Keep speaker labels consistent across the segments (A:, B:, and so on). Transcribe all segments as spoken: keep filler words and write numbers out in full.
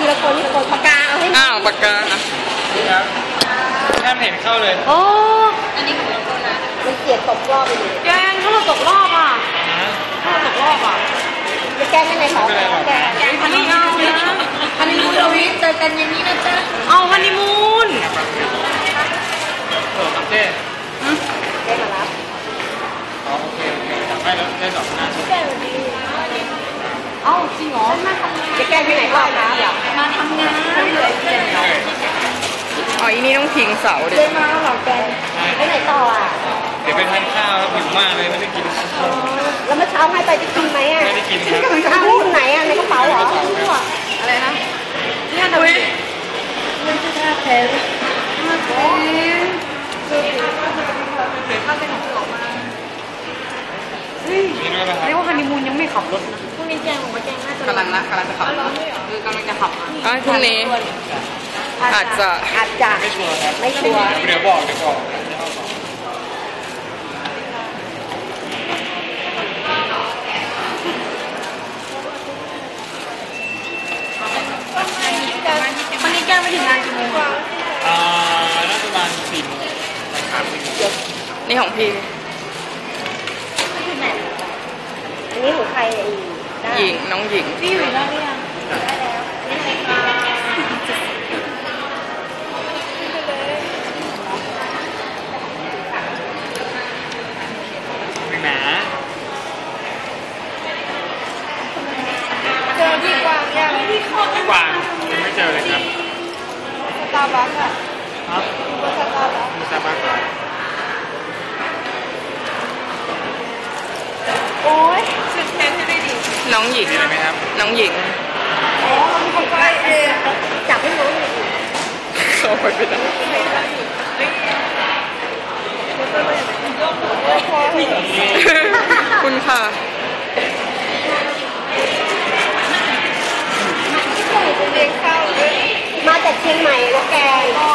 A: ทีละคนทีละคนปากกาเอาให้อ้าวปากกา
B: ครับแค่เห็นเข้าเลย
A: โอ้อันนี้ของเรานะมันเสียตกรอบไปเลย
C: แกงถ้าเราตกรอบอ่ะถ้าเราตกรอบอ่ะ
A: จะแกงไม่ในเขาแกง
C: ฮันนีมูนนะฮันนีมูนเราวิเจอกันอย่างนี้นะจ๊ะเอาฮันนีมูน
B: โอ้ครับเจ๊
A: เจ๊มารับ
B: อ๋อโอเคโอเคไม่แล้วได้สองหน้า
A: แกงวันนี้
C: เอ้าจริงเหรอ
A: จะแกงที่ไหนบ้างคะ
C: มาทำงาน
A: อ๋ออีนี่ต้องทิ้งเสาดิ
C: เลยมาหรอแกง
A: ไปไหนต่ออ่ะ
B: เดี๋ยวไปทานข้าวแล้วหิวมากเลยไม่ได้กิน
A: แล้วเมื่อเช้าให้ไปจะกินไหมอ่ะ
B: ไม่ได้กินครับ
A: ข้าวไหนอ่ะในกระเป๋าเหรอ
C: อะไรนะเนี่ยหนุ่ยมันจะท่าแพ้มาแพ้ข้าวเป็นของออกมาเฮ้ยเรียกว่าฮันนีมูนยังไม่ขับรถนะ
A: พรุ่งนี้แกงออกมาแกงน่าจะ
C: กำลังนะกำลังจะขับคือกำลังจะขับ
A: อ๋อพรุ่งนี้อาจจะอาจจะ
B: ไม่ชัวร์ครับ
A: ไม่ชัวร์
B: เดี๋ยวบอกเดี๋ยวบอก
C: วันนี้แกไม่ถึงงานกี่โมง
B: อ่าน่าจะประมาณสี่โมงครับ
A: นี่ของพี่อันนี้ของใครหญิงน้องหญิง
C: พี่อยู่แล้วหรือยังได้แล้วนี่ไงคะ
B: หนา
C: เจอพี่กวางยังพี่
B: กวางยังไม่เจอเลยครับ
C: สตาร์บัคอะ
B: ครับ
C: สตาร์บัค
B: สตาร์บัคก่อน
C: โอ้ยชุดเต็มให้ได้ดี
A: น้องหญิง
B: เห็นไหมครับ
A: น้องหญิง
C: อ๋อมีคนไปเอง
A: จับให้น้อง
B: เข้าไปไม่ได้
A: คุณค่ะมาจากเชียงใหม่แล้วแก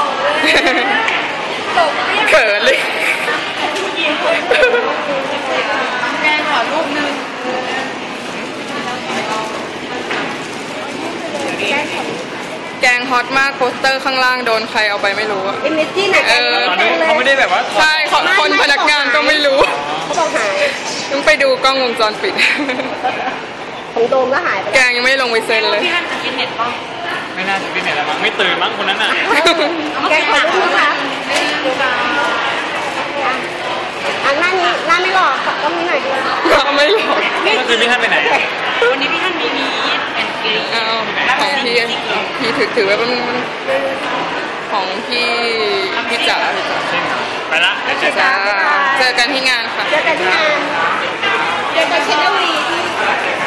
A: เขินเลย
C: แกขอรูปนึง
A: แกงฮอตมากโปสเตอร์ข้างล่างโดนใครเอาไปไม่รู้อะ
C: อิมเมจไหน
A: เออ
B: เขาไม่ได้แบบว่า
A: ใช่คนพนักงานก็ไม่รู้
C: เขาบอกหาย
A: ต้องไปดูกล้องวงจรปิด
C: ของโดมก็หายไป
A: แกงยังไม่ลงไปเซ็นเลย
C: พี่ท่านจะกินเน็ตป่ะ
B: ไม่น่าจะกินเน็ตแล้วมั้งไม่ตื่นมั้งคนนั้นน่ะ
C: แกงขอรูปนะคะ
A: อันนั้นนี้หน้าไม่หล่อต้องมีหน่อยด้วยไม่หล่อ
B: ก็คือพี่ท่านไปไหน
C: วันนี้พี่ท่านมีมีเป็นกรีน
A: ของพี่พี่ถือถือไว้เป็นของพี่พี่จ๋า
B: ไปละ
A: เจอกันเจอกันที่งานค่ะ
C: เจอกันที่งานเจอกันเชนวี